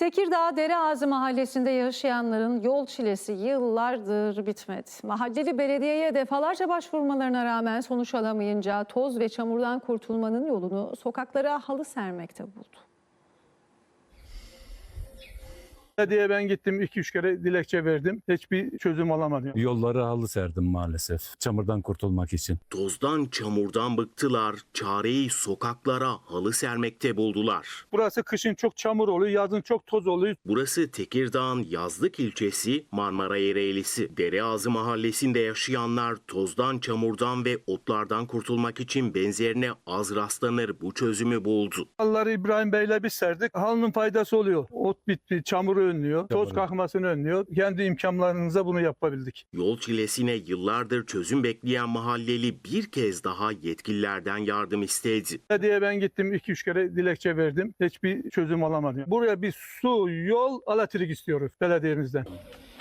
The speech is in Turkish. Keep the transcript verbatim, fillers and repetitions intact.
Tekirdağ Dereağzı Mahallesi'nde yaşayanların yol çilesi yıllardır bitmedi. Mahalleli belediyeye defalarca başvurmalarına rağmen sonuç alamayınca toz ve çamurdan kurtulmanın yolunu sokaklara halı sermekte buldu. Belediye ben gittim iki üç kere dilekçe verdim. Hiçbir çözüm alamadım. Yolları halı serdim maalesef çamurdan kurtulmak için. Tozdan, çamurdan bıktılar, çareyi sokaklara halı sermekte buldular. Burası kışın çok çamur oluyor, yazın çok toz oluyor. Burası Tekirdağ'ın Yazlık ilçesi Marmara Ereğlisi. Dereağzı mahallesinde yaşayanlar tozdan, çamurdan ve otlardan kurtulmak için benzerine az rastlanır bu çözümü buldu. Halıları İbrahim Bey'le biz serdik. Halının faydası oluyor. Ot bitti, çamuru önlüyor, toz Doğru. kalkmasını önlüyor. Kendi imkanlarımızla bunu yapabildik. Yol çilesine yıllardır çözüm bekleyen mahalleli bir kez daha yetkililerden yardım istedi. Belediye ben gittim iki üç kere dilekçe verdim. Hiçbir çözüm alamadım. Buraya bir su, yol, elektrik istiyoruz belediyemizden.